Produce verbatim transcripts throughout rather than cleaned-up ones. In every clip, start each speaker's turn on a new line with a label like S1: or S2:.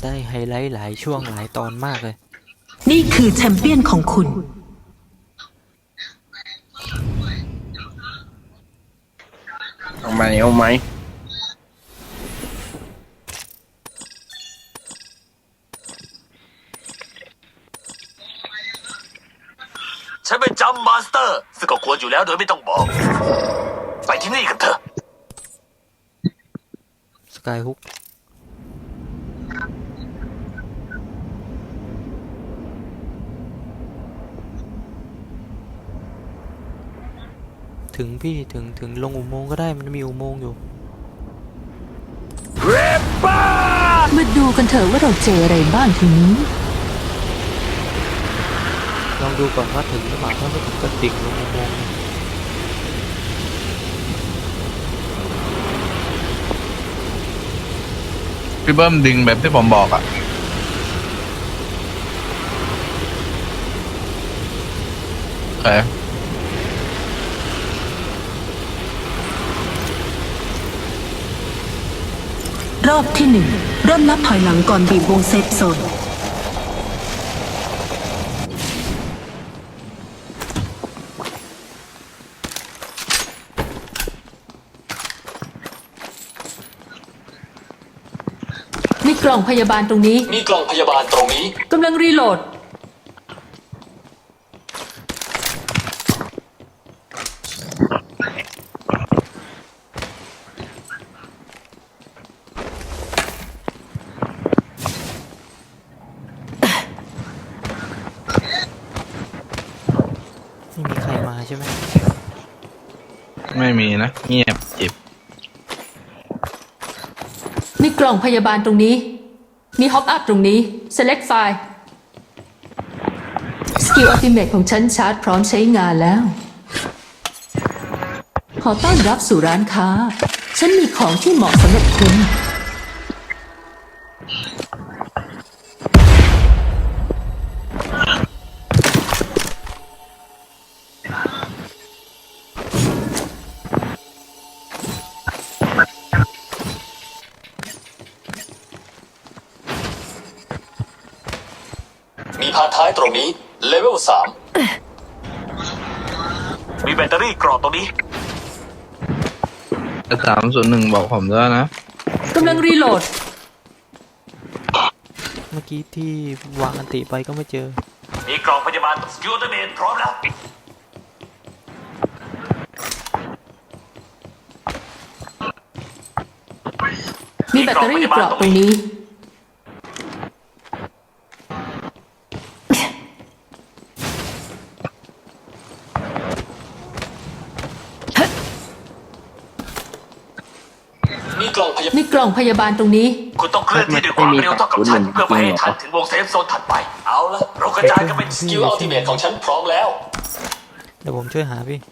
S1: ได้ไฮไลท์หลายช่วงหลายตอนมากเลย
S2: นี่คือแชมเปี้ยนของคุณ
S3: เอาไหมเอาไหม
S4: ฉันเป็นจัมมาสเตอร์ซึ่งก็ควรอยู่แล้วโดยไม่ต้องบอกไปที่นี่กันเถอะ
S1: สกายฮุกถึงพี่ถึงถึงลงอุโมงค์ก็ได้มันมีอุโมงค์อยู่
S2: มาดูกันเถอะว่าเราเจออะไรบ้างทีนี้
S1: ลองดูก่อนว่าถึงหรือเปล่าถ้าไม่ถึงก็ดิ่งลงอุโมงค์
S5: พี่เบิ้มดึงแบบที่ผมบอกอ่ะโอเค
S2: รอบที่หนึ่งเริ่มนับถอยหลังก่อนบีบวงเซฟโซนมีกล่องพยาบาลตรงนี้
S4: มีกล่องพยาบาลตรงนี้
S2: กำลังรีโหลด
S1: ไม่มีใครมาใช่ไหม
S5: ไม่มีนะเงียบจิบ
S2: มีกล่องพยาบาลตรงนี้มีฮอปอัพตรงนี้ select file สกิลอัลติเมทของฉันชาร์จพร้อมใช้งานแล้วขอต้อนรับสู่ร้านค้าฉันมีของที่เหมาะสำหรับคุณ
S4: มีพาร์ทท้ายตรงนี้เลเวลสามมีแบตเตอรี่กรอบตรงนี้
S5: สามส่วนหนึ่งบอกผมด้วยนะ
S2: กำลังรีโหลด
S1: เมื่อกี้ที่วางอันติไปก็ไม่เจอ
S4: มีกล่องพยาบาลสกิลเมนพร้อมแล้ว
S2: มีแบตเตอรี่กรอบตรงนี้
S4: มีกล่องพยาบาล
S2: มีกล่องพยาบาลตรงนี้
S4: คุณต้องเคลื่อนที่ด้วยความเร็วเท่ากับฉันเพื่อไปให้ทันถึงวงเซฟโซนถัดไปเอาละเรากระจายกันเป็นสกิลอัลติเมทของฉันพร้อมแล้ว
S1: เดี๋ยวผมช่วยหาพี่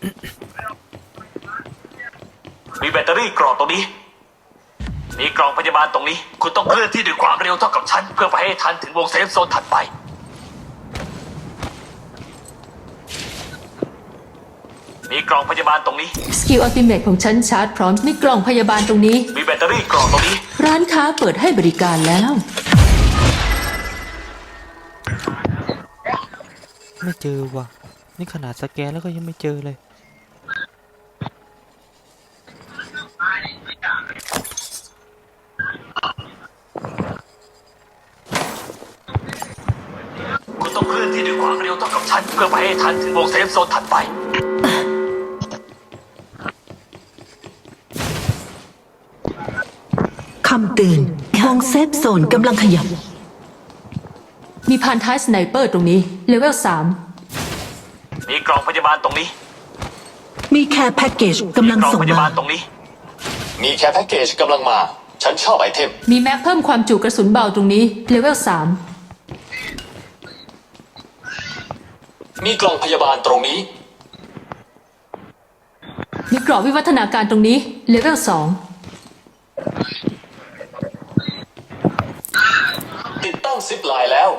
S4: มีแบตเตอรี่กรอบตรงนี้มีกล่องพยาบาลตรงนี้คุณต้องเคลื่อนที่ด้วยความเร็วเท่ากับฉันเพื่อไปให้ทันถึงวงเซฟโซนถัดไปมีกล่องพยาบาลตรงนี้
S2: สกิลอัลติเมทของฉันชาร์จพร้อมมีกล่องพยาบาลตรงนี้
S4: มีแบตเตอรี่กรอบตรงนี้
S2: ร้านค้าเปิดให้บริการแล้ว
S1: ไม่เจอว่ะนี่ขนาดสแกนแล้วก็ยังไม่เจอเลย
S4: คุณต้องเคลื่อนที่ด้วยความเร็วเท่ากับฉันเพื่อไปให้ทันถึงวงเซฟโซนถัดไป
S2: คำเตือนวงเซฟโซนกำลังขยับมีพานท้ายสไนเปอร์ตรงนี้เลเวลสาม
S4: มีกล่องพยาบาลตรงนี้
S2: มีแคร์แพ็กเกจกำลังส่งมา
S4: ตรงนี้มีแคร์แพ็กเกจกำลังมาฉันชอบไอเทม
S2: มีแม็กเพิ่มความจุกระสุนเบาตรงนี้เลเวลสาม
S4: มีกล่องพยาบาลตรงนี้
S2: มีกรอบวิวัฒนาการตรงนี้เลเวลสอง
S4: ติดตั้งซิปไลน์แล้ว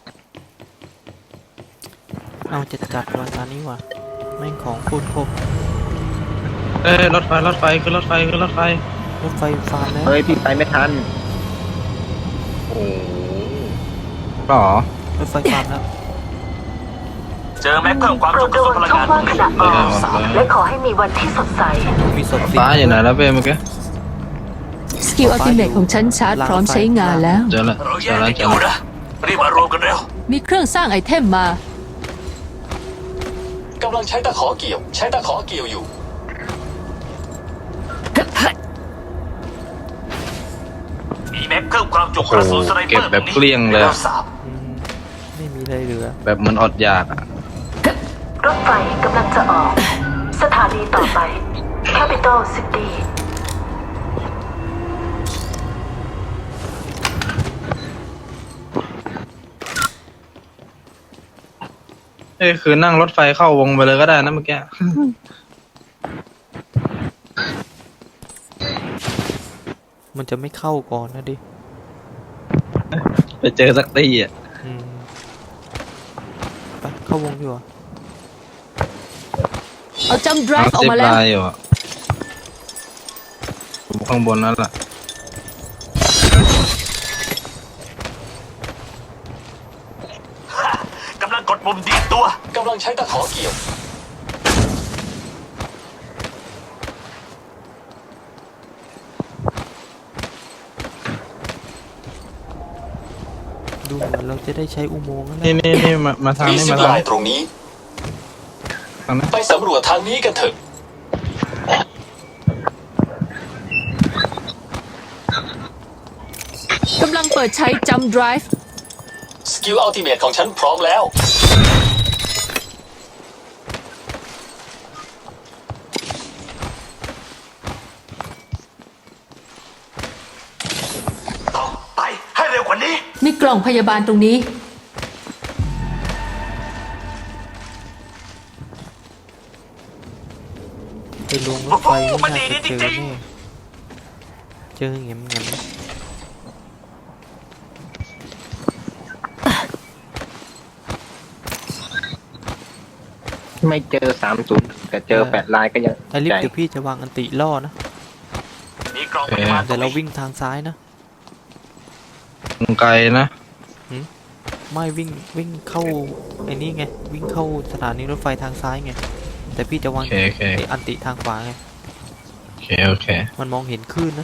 S1: เอาจะจัดวันตอนนี้ว่ะแม่งของคุณครบ
S5: เอ้ยรถไฟรถไฟคือรถไฟคือรถไฟ
S1: รถไฟฟาร์มแล้ว
S3: เฮ้ยพี่ไปไม่ทัน
S5: โอ้หรอ
S1: รถไฟความแล้ว
S4: เจอแม็กเพิ่มความ
S6: โปร
S4: จุ
S6: ด
S4: กระ
S6: ระ
S4: สุ
S6: วัน
S4: พลัง
S6: ช่อง
S4: งาน
S6: ว่างขณะออก
S5: สาม
S6: และขอให้มีวันที่สดใส
S1: มีศพสิ
S5: ฟ้าอยู่ไหนแล้วเป้เมื่อกี้
S2: สกิลอัลติเมทของฉันชาร์จพร้อมใช้งานแล้ว
S5: เจอแล้ว
S4: เรา
S5: เจ
S4: แย
S5: อกแล้ว
S4: กัน
S5: เจ
S4: อ
S5: อยู่ แล้ว
S4: นะรีบมารวมกันเร็ว
S2: มีเครื่องสร้างไอเทมมา
S4: กำลังใช้ตะขอเกี่ยว ใช้ตะขอเกี่ยวอยู่ มีแม็กเพิ่มความจุกระสุนสไนเปอร์
S5: เก็บแบบเกลี้ยงเลยอะ
S4: สาม
S1: อืมไม่มีอะไรเหลือ
S5: แบบเหมือนอดอยากอะ
S6: รถไฟกำลังจะออก สถานีต่อไป Capital City
S5: เอ้ยคือนั่งรถไฟเข้าวงไปเลยก็ได้นะเมื่อกี้
S1: มันจะไม่เข้าก่อนนะดิ
S5: ไปเจอสักตีอ่ะ
S1: อืมไปเข้าวงดีกว่า
S2: เอาจัมป์ไดรฟ์ออก
S5: สิบ
S2: มาแล้ว
S5: ลายอยู่อ่ะอยู่ข้างบนนั่นแหละ
S4: กำลังกดปุ่มดีดตัว กำลังใช้ตะขอเกี่ยว
S1: ดูเหมือนเราจะได้ใช้อุโมงค์แล้ว
S5: นี่
S1: นะ
S5: นี่นี่มามาทาง
S4: มี
S5: นี้
S4: สิ
S5: มา
S4: บ
S5: ทาง
S4: ลาย
S5: นี้
S4: ตรงนี้
S5: ทางนี้
S4: ไปสำรวจทางนี้กันเถอะ
S2: กำลังเปิดใช้จัมป์ไดรฟ์
S4: สกิลอัลติเมทของฉันพร้อมแล้ว ต้องไปให้เร็วกว่านี้
S2: มีกล่องพยาบาลตรงนี้
S1: ไปลงรถไฟไม่น่าจะเจอแน่เจอเงี้ยงั้น
S3: ไม่เจอสามศูนย์แต่เจอแปดลายก็ยัง
S1: ไอลิฟ
S3: ใจ
S1: ต์เดี๋ยวพี่จะวางอันติล่อนะ
S4: มีกล่องพยาบาลตร
S1: แต่
S4: ง
S1: เรา
S4: นี้
S1: วิ่งทางซ้ายนะ
S5: ไกลนะ
S1: ไม่วิ่งวิ่งเข้าไอ้นี่ไงวิ่งเข้าสถานีรถไฟทางซ้ายไงแต่พี่จะวาง
S5: โอเคโอเค
S1: ไอ้อันติทางขวาไง
S5: โอเคโอเค
S1: มันมองเห็นคลื่นนะ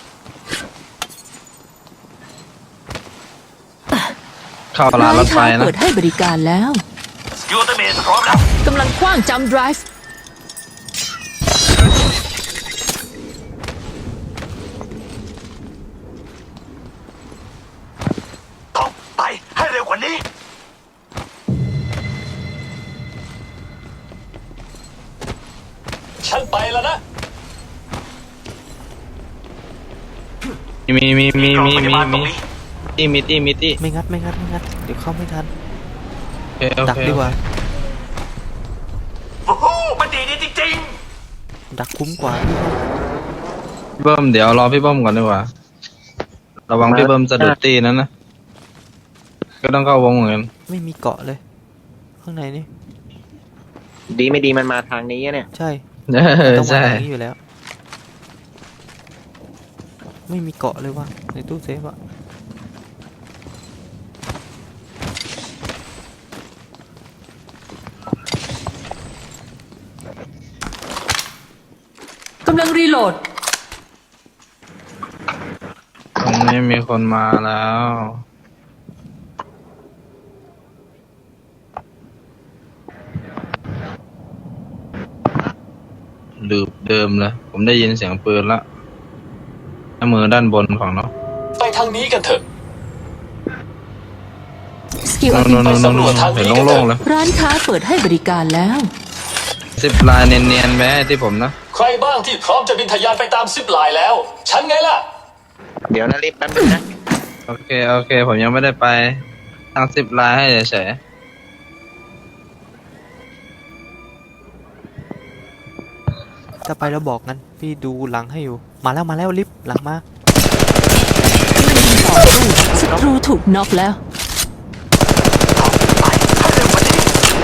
S5: เข้าร้านรถไฟ
S2: ค้า
S5: นะ
S2: เปิดให้บริการแล้ว
S4: สกิลอัลติเมทพร้อมแล้ว
S2: กำลังคว้างจัมป์ไดรฟ์
S4: ต้องไปให้เร็วกว่านี้ ฉันไปแล้วนะ
S5: มีมีมีมี
S4: กล่องพ
S5: มี
S4: ยาบาลตร
S5: มี
S4: งนี้
S5: ตี้มีตี้มีตี้
S1: ไม่งัดไม่งัดไม่งัดเดี๋ยวเข้าไม่ทัน
S5: โอเคโอ
S1: ดัก
S5: เค
S1: ดีกว่า
S4: โอ้โหมันดีดีจริง
S1: ดักคุ้มกว่า
S5: พี่เบิ้มเดี๋ยวรอพี่เบิ้มก่อนดีกว่า ระวังพี่เบิ้มจะดุดตีนั้นนะ ก็ต้องเข้าวงเหมือนกัน
S1: ไม่มีเกาะเลย ข้างในนี่
S3: ดีไม่ดีมันมาทางนี้เนี่ย
S1: ใช่
S5: เอ
S1: มัน
S5: อ
S1: ต้องมา
S5: ใช่
S1: ทางนี้อยู่แล้ว ไม่มีเกาะเลยว่ะในตู้เซฟอะ
S2: กำลังรีโหลด
S5: ตรงนี้มีคนมาแล้ว ลืบเดิมเลย ผมได้ยินเสียงปืนละหน้ามือด้านบนของเรา
S4: ๆ ไปทางนี้กันเถอะ
S2: สกิล
S5: โน่
S2: อั
S5: น
S2: ลติ
S5: โน่น
S2: เม
S5: โน่
S2: ท
S5: นโน่นเห็นโล่งๆเลย
S2: ร้านค้าเปิดให้บริการแล้ว
S5: สิบลายเนียนๆแม้ที่ผมนะ
S4: ใครบ้างที่พร้อมจะบินทะยานไปตามซิปไลน์แล้ว ฉันไงล่ะ
S3: เดี๋ยวนะรีบแป๊บนึงนะ
S5: โอเค โอเค ผมยังไม่ได้ไปทางสิบลายให้เฉย
S1: ถ้าไปแล้วบอกงั้นพี่ดูหลังให้อยู่ มาแล้วมาแล้วลิฟต์หลังมา
S2: ต่อสู้ศัตรูถูกน็อกแล้ว
S4: ไปให้เร็วกว่านี้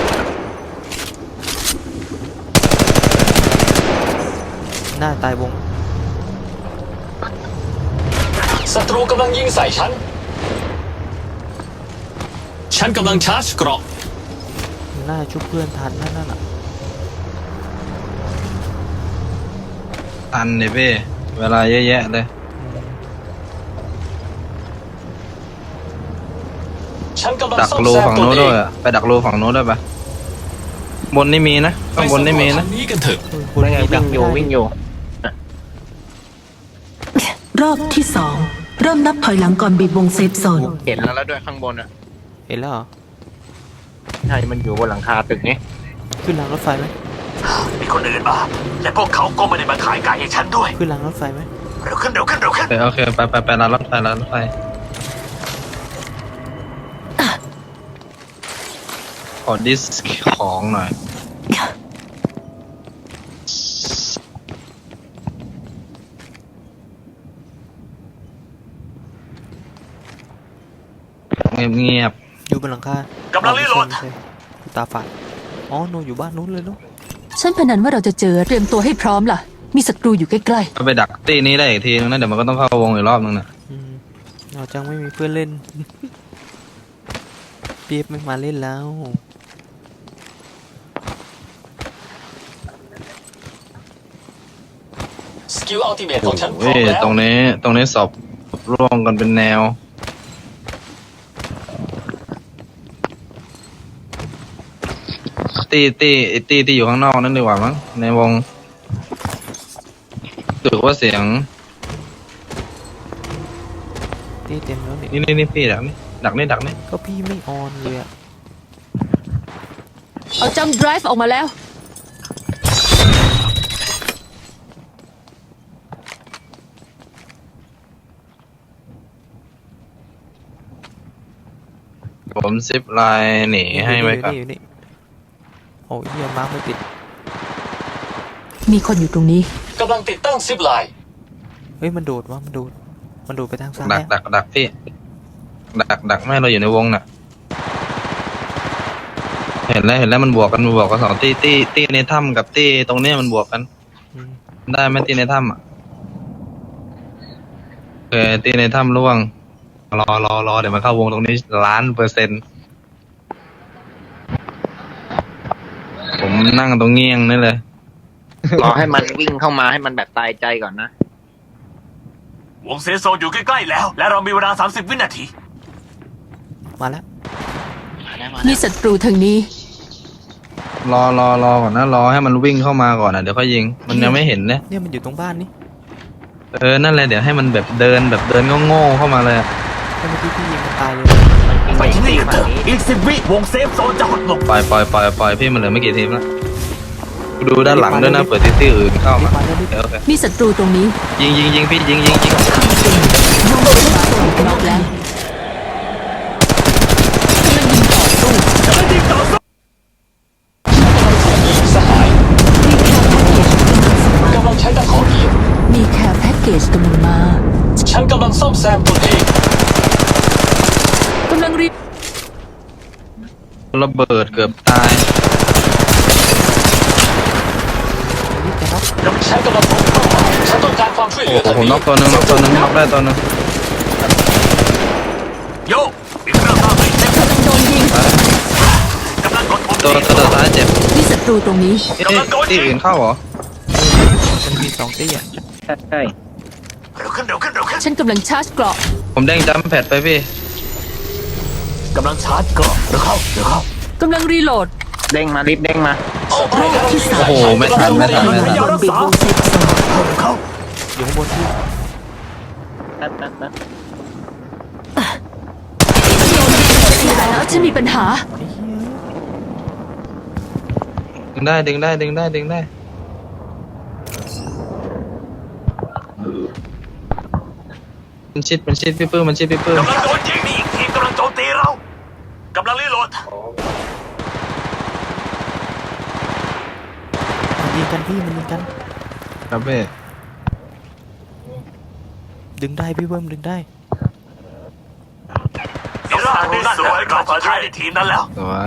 S1: หน้าตายวง
S4: ศัตรูกำลังยิงใส่ฉัน
S7: ฉันกำลังชาร์จเกราะ
S1: น่าชุบเพื่อนทันนั่นน่ะ
S5: ทันเนี่ยพี่เวลาเยอะแยะเลย
S7: ฉันกำลัง
S5: ดัก
S7: ซ่อม
S5: รู
S7: แซม
S5: ฝั่ง
S7: ตัว
S5: โน้น
S7: เอ
S5: ด้วย
S7: ง
S5: อะไปดักรูฝั่งโน้นด้วยปะบนนี่มีนะ
S7: ไป
S5: ข้างบน
S7: สำร
S5: นี่
S7: ว
S5: มี
S7: จ
S5: นะ
S7: ทางนี้กันเถอะ
S1: บน
S3: ไม่ไง
S1: นี้ดั
S3: วิ่
S1: ก
S3: ง
S1: ไม่
S3: อยู่
S1: ได้
S3: วิ่งอยู่
S6: รอบที่สองเริ่มนับถอยหลังก่อนบีบวงเซฟโซน
S3: เห็นแล้วแล้วด้วยข้างบนอ่ะ
S1: เห็นแล้วเหรอ
S3: ใช่มันอยู่บนหลังคาตึกนี้
S1: ขึ้นรางรถไฟไหม
S4: มีคนอื่นมา และพวกเขาก็ไม่ได้มาขายไก่ให้ฉันด้วย
S1: ขึ้นรางรถไฟไหม
S4: เร็วขึ้นเร็วขึ้นเร็วขึ้น
S5: โอเคโอเคไปไปไปร้านรถไฟร้านรถไฟขอดิสของหน่อยเงียบเงียบ
S1: อยู่บนหลังคาก
S4: ำลังรีโหลด
S1: ไม่ใช่ไม่ใช่ตาฝาดอ๋อโนอยู่บ้านนู้นเลยเนาะ
S2: ฉันพนันว่าเราจะเจอเตรียมตัวให้พร้อมล่ะ มีศัตรูอยู่ใกล้
S5: ๆก็ไปดักตีนี้ได้อีกทีนึงนะเดี๋ยวมันก็ต้องเข้าวงอีกรอบนึงนะ
S1: อืมเราจังไม่มีเพื่อนเล่น เปียบไม่มาเล่นแล้ว
S7: สกิลอัลติเมทข
S5: โอ้
S7: องฉันพ
S5: โห
S7: ร้อมแล้ว
S5: ตรงนี้ตรงนี้สอบร่วงกันเป็นแนว ตีตีไอ้ตีที่อยู่ข้างนอกนั่นดีกว่ามั้งในวงถือว่าเสียง
S1: ที่เต็มแล้วนี่
S5: นี่นี่นี่พี่ดักนี่ดักนี่ดักนี่
S1: ก็พี่ไม่ออนเลยอะ
S2: ๆ เอาจัมป์ไดรฟ์ออกมาแล้ว
S5: ผมซิปไลน์หนีให้ไว้ก่อน
S1: อยู่นี่โอ้ยเฮียมาร์คไม่ติด
S2: มีคนอยู่ตรงนี้
S7: กำลังติดตั้งซิปไลน์
S1: เฮ้ยมันโดดวะมันโดดมันโดดไปทางซ้าย
S5: ดัก
S1: อะ
S5: ดักดักพี่ดักดักไม่ให้เราอยู่ในวงน่ะ เห็นแล้วเห็นแล้วมันบวกกันมันบวกกันสองตีตีตีในถ้ำกับตีตรงเนี้ยมันบวกกัน
S1: อืม
S5: ได้ไหมตีในถ้ำอ่ะโอเคตีในถ้ำร่วง รอรอรอเดี๋ยวมันเข้าวงตรงนี้ล้านเปอร์เซ็นต์ผมนั่งตรงเงี้ยงนี่เลย
S3: รอให้มันวิ่งเข้ามาให้มันแบบตายใจก่อนนะ
S4: วงเซฟโซนอยู่ใกล้ๆแล้ว และเรามีเวลา สามสิบ วินาที
S1: มาแล้ว
S2: มีศัตรูทางนี้
S5: รอรอรอก่อนนะรอให้มันวิ่งเข้ามาก่อนนะเดี๋ยวค่อยยิง มันยังไม่เห็นเนี่ย
S1: เนี่ยมันอยู่ตรงบ้านนี่
S5: เออนั่นแหละเดี๋ยวให้มันแบบเดินแบบเดินโง่ๆเข้ามาเลยอะ
S1: ถ้าเมื่อกี้พี่ยิงมันตายเลย
S4: ไปที่นี่กันเถอะอีกสิบวิวงเซฟโซนจะหดลง
S5: ปล่อยปล่อยปล่อยปล่อยพี่มันเหลือไม่กี่ทีมแล้วดูด้านหลังด้วยนะเปิดที่ที่อื่นเข้ามาโอเคโอเค
S2: มีศัตรูตรงนี้
S5: ยิงยิงยิงพี่ยิงยิงยิง
S2: วงเซฟโซนน็อกแล้วกำลังยิงต่อสู้
S7: สหายกำลังใช้ตะขอเกียร์
S2: มีแคร์แพ็กเกจกำลังมา
S7: ฉันกำลังซ่อมแซมตัวเอง
S2: กำลังรี
S5: ระเบิดเกือบตาย
S1: นี่จะน็อก
S7: ฉันกำลังพบเป้าหมายฉันต้องการความช่วยเหลือ
S5: โอ้
S7: ทาง
S5: โห
S7: นี้
S5: น็อกตัวหนึงน็อกตัวหนึงน็อกได้ตัวหนึง
S4: โยมีเครื่องตามไปเซฟ
S2: กำลังโดนยิง
S4: กำลังกดปุ่ม
S5: ตัว
S4: ที่
S5: ตัวท้ายเจ็บ
S2: มีศัตรูตรงนี้
S5: เอ๊ะที่อื่นเข้าเหรอ
S1: มันมีสองตี้อ่ะ
S3: ใช่ใช่
S4: เร็วขึ้นเร็วขึ้นเร็วขึ้น
S2: ฉันกำลังชาร์จเกราะ
S5: ผมเด้งจัมป์แพดไปพี่
S4: กำลังชาร์จเกราะเร็วเข้าเร็วเข้าก
S2: ำลังรีโหลด
S3: เด้งมารีบเด้งมา
S7: เอาไปแล้ว
S6: ที่สาม
S5: โอ้โหไม่ทันไม่ทันไม่ทัน
S6: ก่อนบีบวงเซฟโซน
S4: เร็วเข้า
S1: อยู่ข้างบนพี่
S3: แป๊บแป๊บแป๊บ
S2: แต่แล้วฉันมีปัญหา
S1: ไอ้เหี้ย
S5: ดึงได้ดึงได้ดึงได้ดึงได้มันชิดมันชิดพี่ปื้มมันชิดพี่ปื้ม
S4: กำลังโดนยิงนี่อีกทีมกำลังโจมตีเรากำลังรีโหลด
S1: มันยิงกันพี่มันยิงกัน
S5: ครับพี่
S1: ดึงได้พี่เบิ้มดึงได้
S4: อีร่านี่สวยกับสุดท้ายในทีมนั้นแล้ว
S5: สวย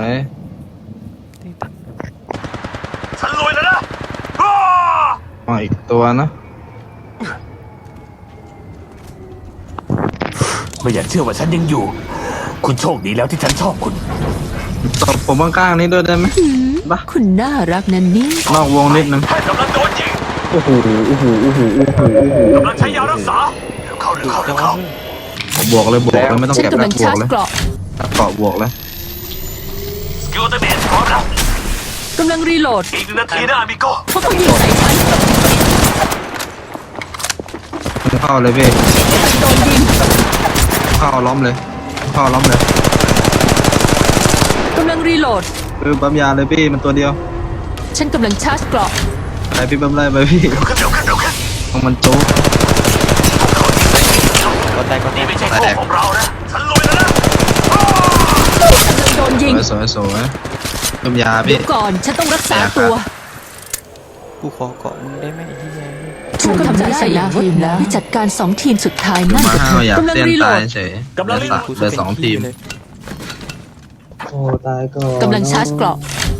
S4: ฉันลุยแล้วนะอ้า
S5: มาอีกตัวนะ
S4: ไม่อยากเชื่อว่าฉันยังอยู่คุณโชคดีแล้วที่ฉันชอบคุณ
S5: ตบผมข้างๆนี้ด้วยได้ไหมบ้า
S2: คุณน่ารักนั่นนี่
S5: นอกวงนิดนึง
S4: แพทย์กำลังโดนยิง
S5: โอ้โหโอ้โหโอ้โหโอ้โหโอ้โห
S4: กำลังใช้ยารักษาเร็วเข้าเร็วเข้าเร็วเข้า
S5: บวกเลยบวกเลยไม่ต้อง
S2: ฉัน
S5: เก็บ
S2: กำ
S5: แล้
S2: ลั
S5: ว
S2: ง
S5: บว
S2: ชาก ร์จ
S5: เลย
S2: เกราะ
S5: เกาะบวกเลย
S4: สกิลเตอร์เบสพร้อมแล้ว
S2: กำลังรีโหลด
S4: อีกหนึ่งนาทีนะอามิโก้
S2: พวกเขายิงใส่ฉัน
S5: เข้าเลยพี่
S2: โดนยิง
S5: เข้าล้อมเลยเข้าล้อมเลย
S2: กำลังรีโหลด
S5: คือปั๊มยาเลยพี่มันตัวเดียว
S2: ฉันกำลังชาร์จเกราะ
S5: ไปพี่ปั๊มไล่ไปพี่
S4: เร็วขึ้นเร็วขึ้นเร็วขึ้น
S5: ต้องมันโจ๊ก
S1: ก็แตกก็แต
S4: นี่
S1: ก
S4: ไม่ใช่โชคของเรานะฉันลุยแล้วนะ
S2: กำลังโดนยิง
S5: สวยสวยสวยปั๊มยา
S2: เดี๋
S5: พี่
S2: ยวก่อน ฉันต้องรักษาตัว
S1: กูขอเกาะมึงได้ไหมไอ้ที่แย่
S2: ฉันกำลังจะใส่ทีมแล้วจัดการสองทีมสุดท้ายนั่น
S5: มา
S2: กับเธ
S5: ห้าว
S2: อ
S5: อยาก
S2: กำลัง
S5: เต้น
S2: รีโหล
S5: ตาย
S2: ด
S5: เฉย
S4: กำลังรีโหลด
S5: เหลือสองทีม
S1: เลย
S5: โอ้ตายก่อน
S2: กำลังชาร์จเกราะ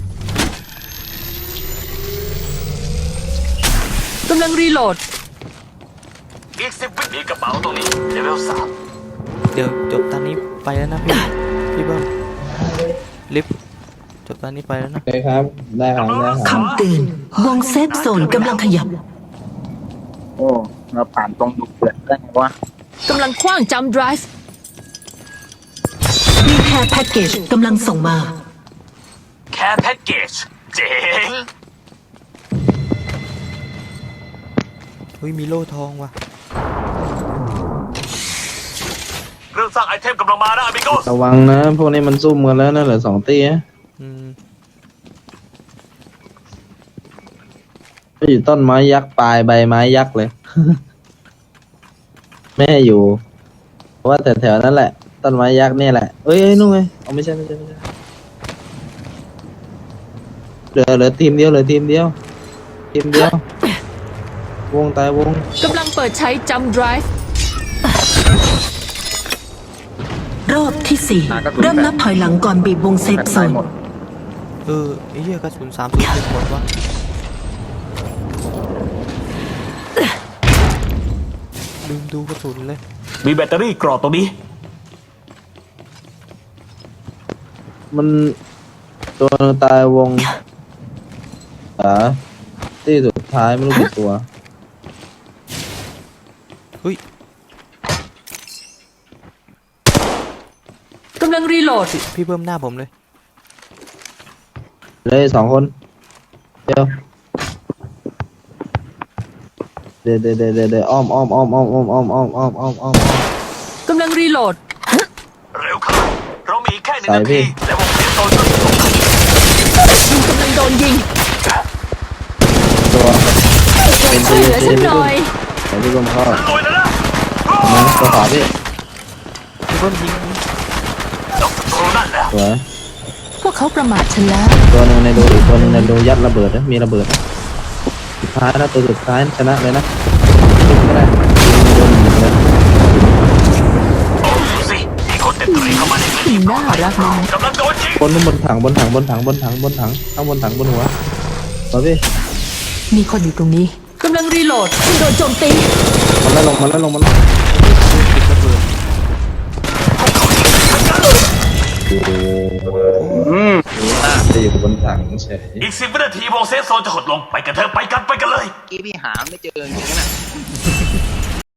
S2: กำลังรีโหลด
S4: อีกสิบวิมีกระเป๋าตรงนี้เลเวลสาม
S1: เดี๋ยวจบตอนนี้ไปแล้วนะพี่พี่เบิ้มลิฟต์จบตอนนี้ไปแล้วนะ
S5: โอเคครับได้ครับได้ครับ
S6: คำเตือนวงเซฟโซนกำลังขยับ
S3: โอ้เราผ่านตรงดุเดือดได้ไงวะ
S2: กำลังคว้างจัมป์ไดรฟ์
S6: มีแค่แพ็กเกจกำลังส่งมา
S4: แค่แพ็กเกจเจ๋ง
S1: เฮ้ยมีโล่ทองว่ะ
S4: เครื่องสร้างไอเทมกำลังมานะอามิโก้
S5: ระวังนะ พวกนี้มันซุ่มกันแล้วนะเหลือสองตีนะ
S1: อืม
S5: ก็อยู่ต้นไม้ยักษ์ปลายใบไม้ยักษ์เลย แม่อยู่เพราะว่าแถวๆนั้นแหละ ต้นไม้ยักษ์เนี่ยแหละเอ้ยเอ้ยนู่นไงเอาไม่ใช่ไม่ใช่ไม่ใช่เหลือเหลือทีมเดียวเหลือทีมเดียว ทีมเดียว วงตายวง
S2: กำลังเปิดใช้จัมป์ไดรฟ์
S6: รอบที่สี่เริ่มนับถอยหลังก่อนบีบวงเซฟโซ
S3: ตาย
S6: น
S3: หมด
S1: เออไอ้เหี้ยกระสุนสามสุดเป็นหมดวะลืมดูกระสุนเลย
S4: มีแบตเตอรี่กรอตรงนี้
S5: มันตัวตายวงอ่าที่สุดท้ายไม่รู้กี่ตัว
S1: เฮ้ย
S2: กำลังรีโหลด
S1: พี่พี่เบิ้มหน้าผมเลย
S5: เลยสองคนเดี๋ยวเดี๋ยวเดี๋ยวเดี๋ยวเดี๋ยวอ้อมอ้อมอ้อมอ้อมอ้อมอ้อมอ้อมอ้อมอ้อมอ้อม
S2: กำลังรีโหลด
S4: เร็วเข้าเรามีแค่หนึ่ง
S5: ใส่
S4: นา
S5: พี่
S4: ทีและวงเซฟโซนก็ถูก
S2: คุณกำลังโดนยิง
S5: ตัวเป็น
S2: ช่
S5: ตี
S2: วยเหลือ
S5: ตี
S2: ฉัน
S5: พี่
S2: หน่
S5: ตุ้
S2: อ
S5: ม
S2: ย
S5: แต่พี่ตุ้มเข้า
S4: ลุยแล้วนะ
S5: นะตัวขวาพี่
S1: พี่เบิ้มยิง
S4: ดอกศัตรูนั่นแหละ
S5: สวย
S2: พวกเขาประมาทฉันแล้ว
S5: ตัวหนึ่งในโดอีกตัวหนึ่งในโดยัดระเบิดนะมีระเบิดนะสุดท้ายนะตัวสุดท้ายชนะเลยนะขึ้นก็ได้โดนหนึ่งเลย
S4: โอ้ดูสิมีคนเต็มตัวเข้ามาในพื้นที่
S2: น่ารักนะ
S4: กำลังโดนยิง
S5: บนบนถังบนถังบนถังบนถังบนถังข้างบนถังบนหัวมาพี่
S2: มีคนอยู่ตรงนี้ กำลังรีโหลดคุณโดนโจมตี
S5: มันแล้วลงมันแล้วลงมันแล้ว
S1: ติดระเบิด
S5: โอ้โห
S3: อืม
S5: จะอยู่บนถังเฉย
S4: อีกสิบวินาทีวงเซฟโซนจะหดลงไปกันเถอะไปกันไปกันเลย
S3: กี้พี่หาไม่เจอจริงๆนะ